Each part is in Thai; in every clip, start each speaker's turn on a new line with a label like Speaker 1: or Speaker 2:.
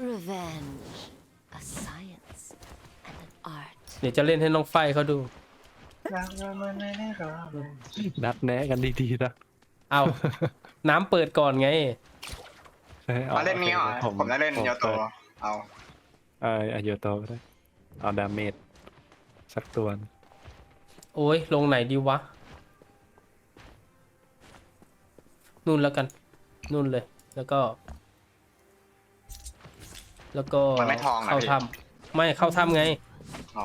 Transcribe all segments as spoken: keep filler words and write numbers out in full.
Speaker 1: Revenge, a science and an art.
Speaker 2: เดี๋ยวจะเล่นให้น้องไฟเขาดู
Speaker 3: นัดแนะกันดีๆนะ
Speaker 2: เอาน้ำเปิดก่อนไง
Speaker 4: มาเล่นนี้เหรอผมได้เล่นโยโตเอา
Speaker 3: เออเอาโยโตก็ได้เอาดาเมจสักตัว
Speaker 2: โอ้ยลงไหนดีวะนู่นแล้วกันนู่นเลยแล้วก็ แล้วก็
Speaker 4: มันไม่ทองนะ
Speaker 2: เข้า
Speaker 4: พี่
Speaker 2: ถ้ำไม่เข้าถ้ำไง
Speaker 4: อ๋อ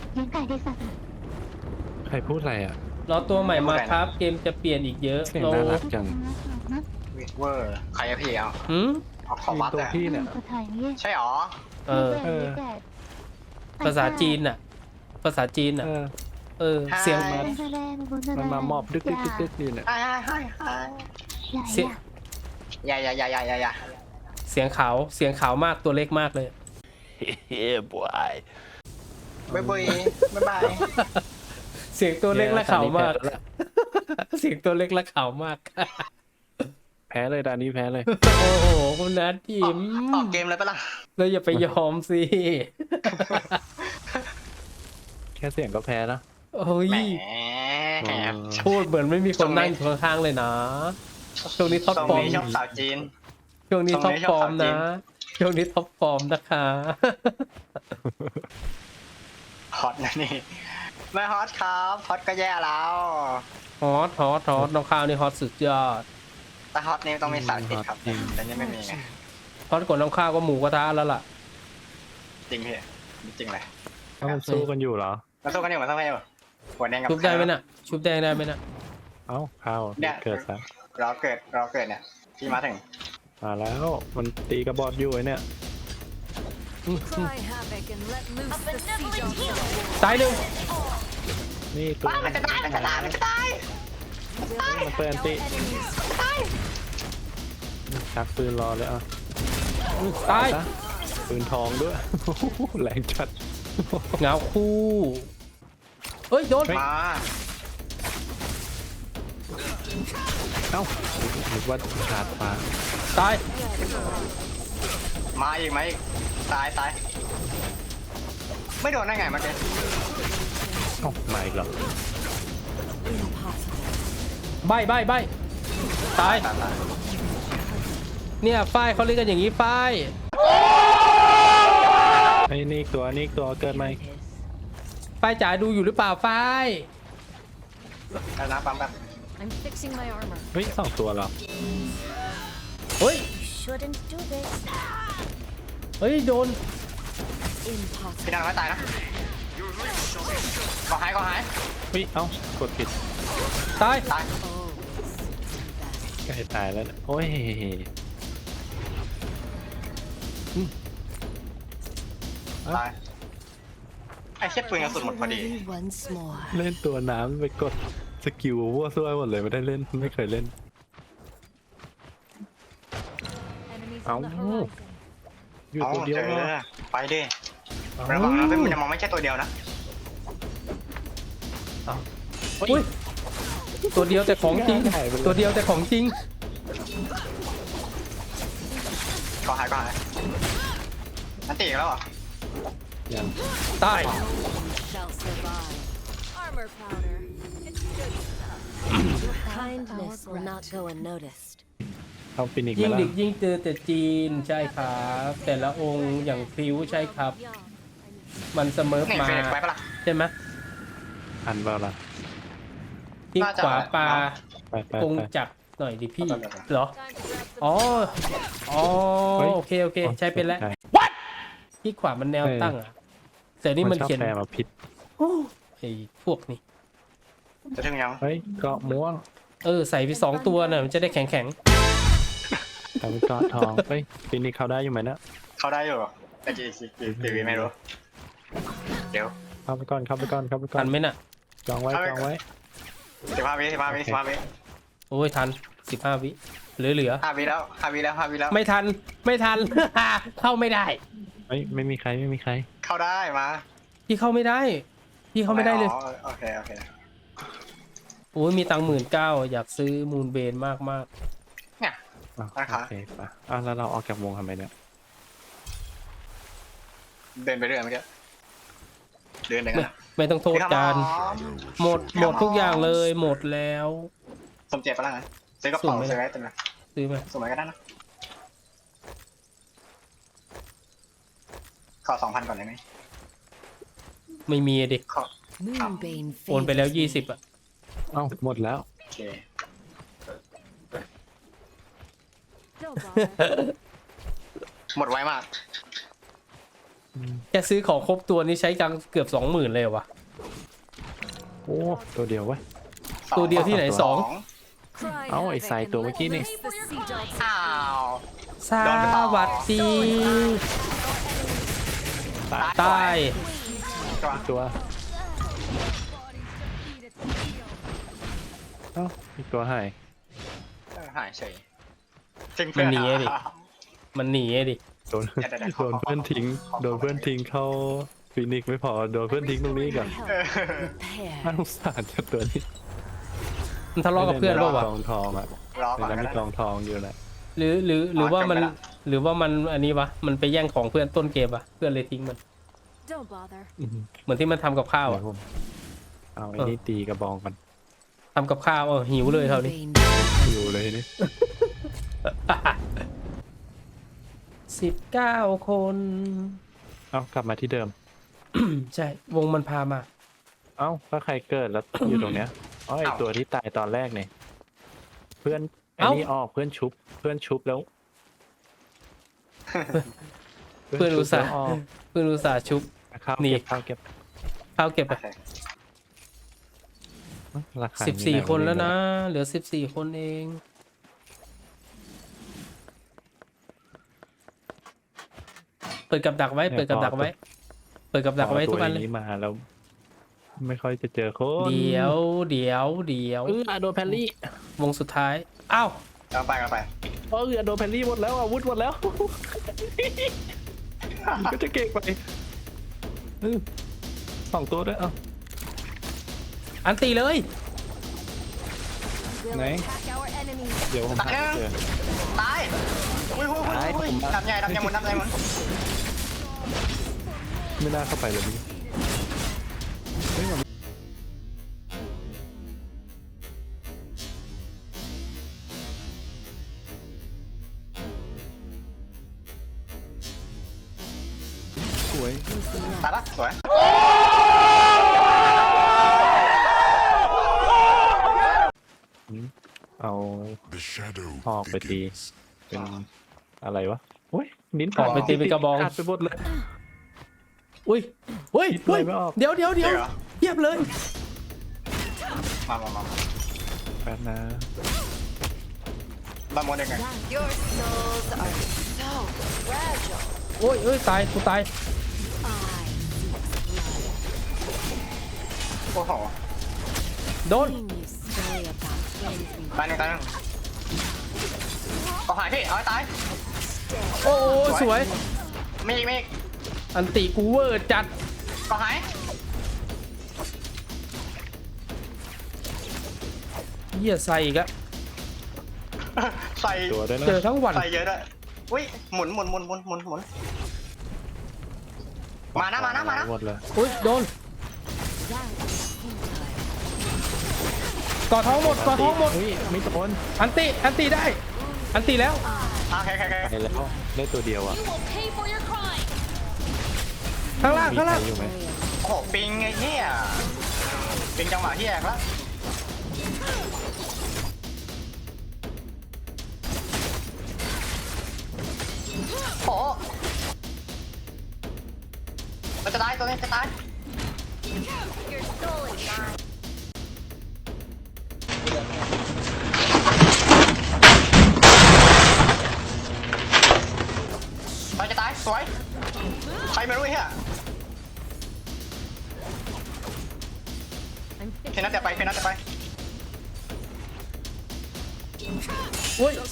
Speaker 3: ใครพูดอะไรอ่ะ
Speaker 2: รอตัวใหม่มาครับ เกมจะเปลี่ยนอีกเยอะ
Speaker 3: เสียง
Speaker 2: เรา
Speaker 3: น่ารักจัง
Speaker 4: วิเวอร์ใครอะพี่เอา
Speaker 2: หืม
Speaker 4: เอาของวัด
Speaker 3: ตัว
Speaker 4: อะ
Speaker 3: พี่เนี่ย
Speaker 4: ใช่หรอ
Speaker 2: เออ
Speaker 3: เออ
Speaker 2: ภาษาจีนน่ะ ภาษาจีนน่ะ
Speaker 3: เออ
Speaker 2: เออ เสียง
Speaker 4: Hi
Speaker 3: มันมามอบดึกดึกดึกดึกนี่เนี่ย
Speaker 4: ไอ้ไอ้ไอ้
Speaker 2: เสียง
Speaker 4: อย่าอย่าอย่าอย่าอย่าอย่า
Speaker 2: เสียงขาวเสียงขาวมากตัวเล็กมากเลย
Speaker 3: yeah boy
Speaker 4: บ๊ายบายบ๊ายบาย
Speaker 2: เสียงตัวเล็กและขาวมาก เสียงตัวเล็กและขาวมาก
Speaker 3: แพ้เลยดานนี้แพ้เลย
Speaker 2: โอ้โหคุณนัททีม
Speaker 4: ออกเกมเลยปะล่ะ
Speaker 2: เราอย่าไปยอมสิ
Speaker 3: แค่เสียงก็แพ้แล้ว
Speaker 2: โอ้ย
Speaker 4: แหม
Speaker 2: พูดเหมือนไม่มีคนนั่งอยู่ข้างๆเลยนะช่วงนี้ท็อป
Speaker 4: ตรง
Speaker 2: ฟอร์ม
Speaker 4: นี้ชอบสาวจีน
Speaker 2: ช่วงนี้
Speaker 4: ต
Speaker 2: ท็
Speaker 4: ร
Speaker 2: อง ป
Speaker 4: นี้
Speaker 2: ฟอร์ม
Speaker 4: ชอบสาวจี
Speaker 2: นะ
Speaker 4: น
Speaker 2: ช่วงนี้ท็อปฟอร์มนะคะ
Speaker 4: ฮอตนะนี่ไม่ฮอตครับฮอตก็แย่แล้ว
Speaker 2: ฮอตฮอตฮอตน้องข้าวนี่ฮอตสุดยอด
Speaker 4: แต่ฮอตนี่ต้องมีสาวจีนครับแต่นี่ไม่มีไง
Speaker 2: ฮอตกว่าน้องข้าวก็หมูกระทะแล้วล่ะ
Speaker 4: จริงพี่จริงเลย
Speaker 3: เอ้ามันสู้กันอยู่เหรอ
Speaker 4: มาสู้กันอยู่มาสู้กันอยู่หัวแดงกับ
Speaker 2: ชุบได้ไหมน่ะ ชุบแดงได้ไหมน่ะ
Speaker 3: เอ้าข้าวเกิดซะ
Speaker 4: เราเกิดเราเกิดเนี่ยพี่มาถึง
Speaker 3: มาแล้วมันตีกระบอกอยู่ไอ้เนี่ย
Speaker 1: Cry havoc and let loose the siege on the
Speaker 2: ตายหนึ่ง
Speaker 3: นี่ตัว
Speaker 4: มันจะตายมันจะตายมันจะตาย
Speaker 3: มันเปิดอันติ
Speaker 1: enemies.
Speaker 3: ชักปืนรอเลยอ่ะ
Speaker 2: ตาย
Speaker 3: ซะปืนทองด้วย แรงจัด
Speaker 2: เงาคู่เฮ้ยโดน
Speaker 4: มา
Speaker 3: เอ้านึกว่าขาดฟ้า
Speaker 2: ตาย
Speaker 4: มาอีกไหมอีกตายตายไม่โดนได้ไงเมื่อกี้
Speaker 3: เอ้ามาอีกเหรอ
Speaker 2: ใบใบใบตาย
Speaker 4: ตายตาย
Speaker 2: เนี่ยฝ้ายเขาเรียกกันอย่างนี้ฝ้าย
Speaker 3: ไอ้นี่อีกตัวนี่อีกตัวเกิดไหม
Speaker 2: ฝ้ายจ๋าดูอยู่หรือเปล่าฝ้าย
Speaker 4: แล้วนะปั๊มแป๊บ
Speaker 1: I'm fixing my armor.
Speaker 3: เฮ้ยสองตัวเหรอ
Speaker 2: เฮ้ย
Speaker 1: Shouldn't do this.
Speaker 2: เฮ้ยโดน
Speaker 1: Impossible.
Speaker 4: พี่นางไม่ตายนะก็หายก็หาย
Speaker 3: เฮ้ยเอ้ากดผิด
Speaker 2: ตาย
Speaker 4: ตาย
Speaker 3: ใกล้ตายแล้วเนี่ยโอ้ย
Speaker 4: ตายไอ้เช็ดปืนกระสุนหมดพอดี
Speaker 1: Only once more.
Speaker 3: เล่นตัวน้ำไปกดสกิลวัวซั่วหมดเลยไม่ได้เล่นไม่เคยเล่น
Speaker 1: Enemies
Speaker 3: Ow.
Speaker 1: on the horizon.
Speaker 3: อยู่
Speaker 4: เอา
Speaker 3: ตัวเดียว
Speaker 4: เจอ
Speaker 3: เหรอ
Speaker 4: ไปดิระวังนะเป็นมันจะมองไม่ใช่ตัวเดียวนะ
Speaker 2: อุ้ยตัวเดียวแต่ของจริง ตัวเดียวแต่ของจริง
Speaker 4: ก็หายก็หายนั่นตีอีกแล้วเหรอ
Speaker 3: ยัง
Speaker 2: ตาย
Speaker 1: Shall survive. Armor powder. It's good stuff. Your kindness will not go unnoticed.
Speaker 3: เอาฟินิกซ์
Speaker 2: ยิ่
Speaker 3: ไป
Speaker 2: ง
Speaker 3: แล้ว
Speaker 2: ดึกยิ่งเจอแต่จีนใช่ครับ แต่ละองค์อย่างพริ้วใช่ครับ มันเสมอ
Speaker 4: นี่
Speaker 2: มา
Speaker 4: เฟรนไปปะล่ะ
Speaker 2: ใช่ไหม
Speaker 3: อันเปล่าล่ะ
Speaker 2: ที่
Speaker 4: น่าจะ
Speaker 2: ขวาปลา
Speaker 3: ไปไป
Speaker 2: กง
Speaker 3: ไป
Speaker 2: จักรหน่อยดิพี่
Speaker 4: ไปไปไป
Speaker 2: เหรอ
Speaker 1: Time to grab some
Speaker 2: อ๋อ อ๋อ
Speaker 3: เฮ้ย
Speaker 2: โอเค โอเค ใช้เป็นแล้ว
Speaker 3: ใช่
Speaker 2: ที่ขวามันแนวตั้งอ่ะ แต่นี่มัน
Speaker 3: ชอบ
Speaker 2: เขียน
Speaker 3: แปลมาผิด
Speaker 2: โอ้ไอ้พวกนี้
Speaker 4: จะถึงยัง
Speaker 3: เฮ้ยเกาะม่วง
Speaker 2: เออ ใส่ไปสองตัวน่ะมันจะได้แข็งแข็ง
Speaker 3: ทำเกาะทองเฮ้ยฟินิกซ์เข้าได้อยู่ไหมนะ
Speaker 4: เขาได้อยู่แต่จีจีจีวีไม่รู้เดี๋ยว
Speaker 3: เข้าไปก่อนเข้าไปก่อนเข้าไป
Speaker 2: ๆ
Speaker 3: ก่อ
Speaker 2: ทั
Speaker 3: น
Speaker 2: นไหมน่ะ
Speaker 3: จองไว้จองไว้
Speaker 4: สิบห้าวิสิบห้าวิสิบห้าวิ
Speaker 2: โอ้ยทันสิบห้าวิเหลือเหลือ
Speaker 4: ห้าวิแล้วห้าวิแล้วห้าวิแล้ว
Speaker 2: ไม่ทัน ไม่ทัน เข้าไม่ได้
Speaker 3: เฮ้ยไม่มีใครไม่มีใคร
Speaker 4: เข้าได้มา
Speaker 2: พี่เข้าไม่ได้ พี่เข้าไม่ได้เลย
Speaker 4: อ๋อโอเคโอเค
Speaker 2: โอ้ยมีตังค์หมื่นเก้าอยากซื้อมูนเบนมากมาก
Speaker 4: เนี่ย
Speaker 3: อ่ะ
Speaker 4: ราคา
Speaker 3: โอเคปะอ่ะแล้วเราออกจากวงทำไมเนี่ย
Speaker 4: เดินไปเรื่อยเมื่อกี้เดินไหนกั
Speaker 2: ไม่
Speaker 4: นอะ
Speaker 2: ไม่ต้องโทษจานหมดหมดทุกอย่างเลยหมดแล้ว
Speaker 4: สมเจ็บปะล่ะงั้นซื้อกระเป๋า
Speaker 2: สุ่มไหม
Speaker 4: ซื้อไว้เต็มเลย
Speaker 2: ซื้อมา
Speaker 4: สุ่มไว้ก็ได้นะขอสองพันก่อนได้ไหม
Speaker 2: ไม่มีดิ
Speaker 4: ขอ
Speaker 1: Moonbane
Speaker 2: โอนไปแล้ว
Speaker 1: favors
Speaker 2: ยี่
Speaker 1: me.
Speaker 2: สิบอ่ะ
Speaker 3: เอ้าหมดแล้ว
Speaker 4: โอเค
Speaker 1: Don't bother.
Speaker 4: หมดไวมาก
Speaker 2: แค่ซื้อของครบตัวนี้ใช้ตังค์เกือบสองหมื่นเลยเหรอวะ
Speaker 3: โอ้ตัวเดียวไว้ย
Speaker 2: ตัวเดียวที่ไหนสอง
Speaker 1: Cry
Speaker 3: เอ้าไอ้
Speaker 1: havoc
Speaker 3: สาย
Speaker 1: and
Speaker 3: ตัวเมื่อกี้
Speaker 1: let
Speaker 3: นี่
Speaker 1: loose the sea dogs.
Speaker 4: อ้าว
Speaker 2: สวัสดี ตาย
Speaker 4: ตัว
Speaker 3: ตัวเอ้าอีกตัวหาย
Speaker 4: เออหายเฉยทิ้ง
Speaker 2: มั
Speaker 4: เพื่อน
Speaker 2: หนีอะดิ
Speaker 4: อ่ะ
Speaker 2: มันหนีอะดิ
Speaker 3: โดนโดนเพื่อนทิ้งโดนเพื่อนทิ้งเข้าฟินิกซ์ไม่พอโดนเพื่อนทิ้งตรงนี้ก่อน
Speaker 1: Help.
Speaker 4: เออ
Speaker 1: Repair.
Speaker 3: น่าสงสารจังตัวนี้
Speaker 2: มันทะเลาะกับเพื่อนเปล่าวะ
Speaker 3: กองทองอ่ะ
Speaker 4: รอ
Speaker 3: ใน
Speaker 4: ก่อน
Speaker 3: นั้น
Speaker 4: ก็
Speaker 3: มี
Speaker 4: ได้
Speaker 3: กองทองอยู่แหละ
Speaker 2: หรือหรือหรือว่ามัน
Speaker 4: จบไปละ
Speaker 2: หรือว่ามันอันนี้วะมันไปแย่งของเพื่อนต้นเกมอะเพื่อนเลยทิ้งมัน
Speaker 1: Don't bother.
Speaker 3: อื้อหือ
Speaker 2: เหมือนที่มันทำกับข้าว
Speaker 3: เดี๋ย
Speaker 2: อะ
Speaker 3: วผมเอาไอ้นี่ตีกระบองกัน
Speaker 2: ทำกับข้าวเออหิวเลยคราวนี้
Speaker 1: Moonbane
Speaker 3: อยู่เลยนี่
Speaker 2: สิบเก้าคน
Speaker 3: เอ้ากลับมาที่เดิม
Speaker 2: ใช่ วงมันพามา
Speaker 3: เอ้าก็ใครเกิดแล้ว อยู่ตรงเนี้ยอ๋อไอตัวที่ตายตอนแรกเนี่ยเพื่อนไอ้นี่ออกเพื่อนชุบ เพื่อนชุบแล้ว
Speaker 2: เพื่อนอุตส่าห์
Speaker 3: ชุบแล้วออก
Speaker 2: เพื่อนอุตส่าห์ชุบ
Speaker 3: ข้าว
Speaker 2: หนี
Speaker 3: เก็บข้าวเก็บ
Speaker 2: ข้าวเก็บไป
Speaker 4: โอเค
Speaker 3: ราคา
Speaker 2: สิบสี่
Speaker 3: นี่
Speaker 2: คนแล้วนะ
Speaker 3: รง
Speaker 2: เหลือสิบสี่คนเอง เปิดกับดักไว้ เปิดกับดักไว้ เปิดกับดักไว้ทุกอันเลย
Speaker 3: พอตัวนี้มาแล้ว ไม่ค่อยจะเจอคน
Speaker 2: เดี๋ยวเดี๋ยวเดี๋ยว
Speaker 3: เออโดนแพนลี่
Speaker 2: วงสุดท้าย อ้าว
Speaker 4: กำลังไปกำลังไป
Speaker 3: เออโดนแพนลี่หมดแล้วอาวุธหมดแล้ว ก็จะเก่งไปเออสองตัวด้วยเอ้า
Speaker 2: อันตีเลย
Speaker 1: will
Speaker 3: Này.
Speaker 1: attack our enemies.
Speaker 3: เดี๋ยวผมหาเจอ
Speaker 4: ตายอุ้ยอุ้ยอุ้ย
Speaker 3: ตาย
Speaker 4: อุ้ย
Speaker 3: ผมมา
Speaker 4: ดำใหญ่ดำใหญ่หมดดำใหญ่หมด
Speaker 3: ไม่น่าเข้าไปเลยนี่เฮ้ยมันสวย
Speaker 4: ตายปะสวย
Speaker 3: เอา
Speaker 5: The shadow
Speaker 3: หอกไปตี
Speaker 5: thickens.
Speaker 3: เป็นอะไรวะโอ้ยนิ้น
Speaker 2: หอกไปตีเป็นกระบอง
Speaker 3: ขาดไปหมดเลย
Speaker 2: อุ้ยอุ้ย
Speaker 3: คิดอะไร
Speaker 2: อุ้ย
Speaker 3: ไม่ออก
Speaker 2: เดี๋ยวเดี๋ยวเดี๋ยว
Speaker 4: เดี๋ยวเหรอ
Speaker 2: เทียบเลย
Speaker 4: มามามามา
Speaker 3: แป๊บนะ
Speaker 4: บ้านมดได้ไง
Speaker 1: Your souls are so fragile.
Speaker 2: โอ้ยเอ้ยตายกูตาย
Speaker 1: I seek blood.
Speaker 4: โอ้โห
Speaker 2: โดน
Speaker 1: Seeing you stay about anything
Speaker 4: ตายหนึ่งตายหนึ่งก็หายพี่เอาให้ตาย
Speaker 2: โอ้โหสวย
Speaker 4: มีอีกมีอีก
Speaker 2: อันติกูเวอร์จัด
Speaker 4: ก็หาย
Speaker 2: เหี้ยใส่อีกอะ
Speaker 4: ใส่
Speaker 3: ตัวด้วยนะ
Speaker 2: เจอทั้งวัน
Speaker 4: ใส่เยอะด้วยอุ้ยหมุนหมุนหมุนหมุนหมุนหมุนมานะมานะมานะ
Speaker 3: หมดเลย
Speaker 2: อุ้ยโดน
Speaker 1: that is futile.
Speaker 2: ก่อท้องหมดก่อท้องหมด
Speaker 3: เฮ้ยไม่โดน
Speaker 2: อันติอันติได้ อันติแล้ว
Speaker 4: โอเคโอเคโอเค
Speaker 3: ไปแล้วได้ตัวเดียวอ่ะ
Speaker 1: You will pay for your crime.
Speaker 2: ข้างล่าง
Speaker 3: มี
Speaker 2: ข้าง
Speaker 3: ใคร
Speaker 2: ล่าง
Speaker 3: อยู่ไหม
Speaker 4: โอ้โหปิงไอ้เหี้ยปิงจังหวะที่แอกแล้วโอ้โหมันจะตายตัวนี้จะตาย
Speaker 1: Your soul is mine.
Speaker 4: ตายจะตายสวยใครไม่รู้ไอ้เหี้ย
Speaker 1: I'm
Speaker 4: เพนัทจะไปเพนัทจะไป
Speaker 2: อุ้ย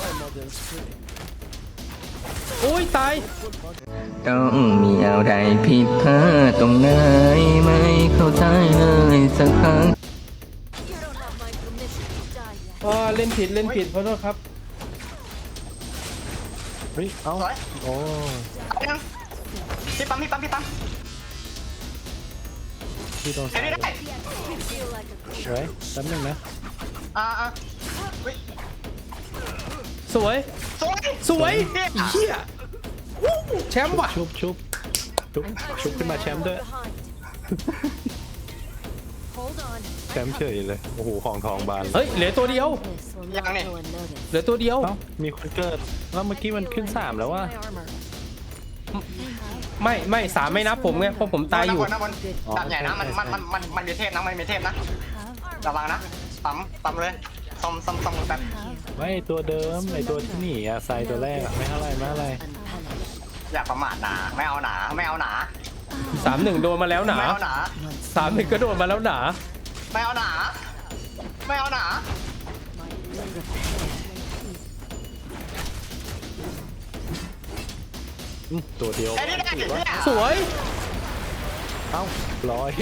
Speaker 2: อุ้ยตาย
Speaker 6: ต้องมีอะไรผิดพลาดตรงไหนไม่เข้าใจเลยสักครั้ง
Speaker 1: You don't have my permission to die yet.
Speaker 2: อ่าเล่นผิดเล่นผิดขอโทษครับ
Speaker 3: เฮ้ย เอ้า
Speaker 4: สวย
Speaker 3: โอ้
Speaker 4: ตายยังพี่ปั๊มพี่ปั๊มพี่ปั๊ม
Speaker 3: ที่ตรง
Speaker 4: เห็น
Speaker 3: ซ้าย
Speaker 4: ไม่ได้
Speaker 1: Feel like a
Speaker 3: ไว้แป๊บนึงนะ
Speaker 4: อ่าอ่าเฮ้ย
Speaker 2: สวย
Speaker 4: สวย
Speaker 2: สวย
Speaker 4: เนี่ย
Speaker 2: เฮียวู้แชมป์ว่ะ
Speaker 3: ชุบชุบชุบชุบขึ้นมาแชมป์ด้วย
Speaker 1: Hold on.
Speaker 3: แชมป์เฉยเลยโอ้โหของทองบาน
Speaker 2: เฮ้ยเหลือตัวเดียว
Speaker 1: This will not go unnoticed.
Speaker 2: เหลือตัวเดียว
Speaker 3: เอ้ามีคนเกิดแล้วเมื่อกี้มันขึ้นสามแล้วว่า
Speaker 1: My armor.
Speaker 2: ไม่ไม่สามไม่นับผมไงเพราะผมตายอยู่
Speaker 4: น้ำบนน้ำบนดาบใหญ่นะมันมันมันมันมันมีเทพนะมันมีเทพนะระวังนะปั๊มปั๊มเลยซ่อมซ่อมซ่อมแป๊บ
Speaker 3: ไม่ตัวเดิมไอตัวที่หนีอะไซตัวแรกอะไม่เท่าไรไม่เท่าไร
Speaker 1: Unpunished.
Speaker 4: อย่าประมาทหนาไม่เอาหนาไม่เอาหนา
Speaker 2: สามหนึ่งโดนมาแล้วหนา
Speaker 4: ไม่เอาหนา
Speaker 2: สามหนึ่งก็โดนมาแล้วหนา
Speaker 4: ไม่เอาหนาไม่เอาหนา
Speaker 3: อืมตัวเดียว
Speaker 4: ไอ้นี่ได้ดิเนี่ย
Speaker 2: สวย
Speaker 3: เอ้าร้อย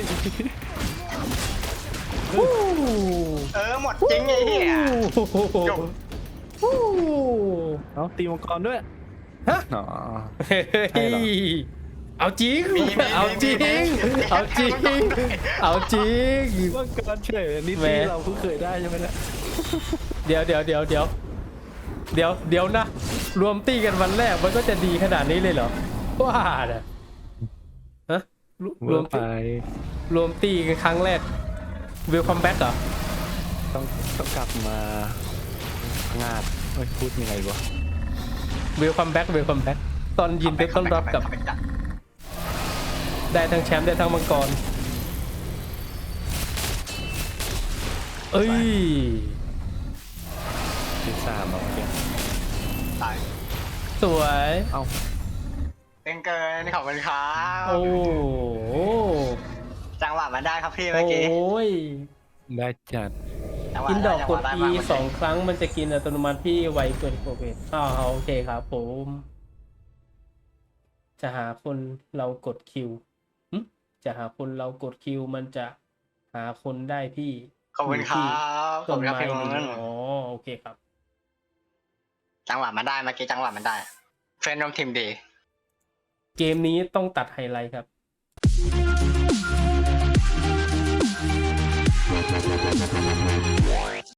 Speaker 2: วู้
Speaker 4: เออหมดจริงไอ้เหี้ยจบ
Speaker 2: วู้
Speaker 3: เอาตีมังกรด้วย
Speaker 2: ฮะ
Speaker 3: อ๋อ
Speaker 2: เฮ้
Speaker 3: ใช่เหรอ
Speaker 2: ยเอาจริง เอาจริง เอาจริง เอาจริง
Speaker 3: มังกรเฉยนี่
Speaker 2: แหม
Speaker 3: ที่เราเพิ่งเคยได้ใช่ไหมเนี่ย
Speaker 2: เดี๋ยวเดี๋ยวเดี๋ยวเดี๋ยวเดี๋ยวเดี๋ยวนะ รวมตีกันวันแรกมันก็จะดีขนาดนี้เลยเหรอว่าน่ะฮะรว
Speaker 3: เมื่
Speaker 2: รว
Speaker 3: อ
Speaker 2: ม
Speaker 3: ไป
Speaker 2: ตีรวมตีกันครั้งแรกวิลคัมแบ็กเหรอ
Speaker 3: ต้องต้องกลับมางาดเอ้ยพูดยังไงวะ
Speaker 2: วิลคัมแบ็กวิลคัมแบ็กตอนยินดีต้อนรับกับได้ทั้งแชมป์ได้ทั้งมังกรเอ้ย
Speaker 3: ที่สามเอาเมื่อกี้
Speaker 4: ตาย
Speaker 2: สวย
Speaker 3: เอ้า
Speaker 4: เป็นเกินขอบคุณครับ
Speaker 2: โอ้โห
Speaker 4: จังหวะมันได้ครับพี่
Speaker 2: โอ
Speaker 4: เมื่อกี้
Speaker 2: ้ย
Speaker 3: ได้จัด
Speaker 4: จังหวะ
Speaker 2: กินดอกกด
Speaker 4: จังห
Speaker 2: E
Speaker 4: วะไมาก
Speaker 2: สองครั้งมันจะกินอัตโนมัติที่ไวเกินโปรเกรสอ้าวโอเคครับผม จะหาคนเรากดคิวหึจะหาคนเรากดคิวมันจะหาคนได้พี่
Speaker 4: ขอบคุณครับขอ
Speaker 2: ต้
Speaker 4: บ
Speaker 2: น
Speaker 4: คุณครับ
Speaker 2: ไม้
Speaker 4: พี่
Speaker 2: นี้
Speaker 4: มึง
Speaker 2: อ๋อโอเคครับ
Speaker 4: จังหวะมันได้เมื่อกี้จังหวะมันได้เฟรนด์ร่วมทีมดี
Speaker 2: เกมนี้ต้องตัดไฮไลท์ครับ
Speaker 6: 「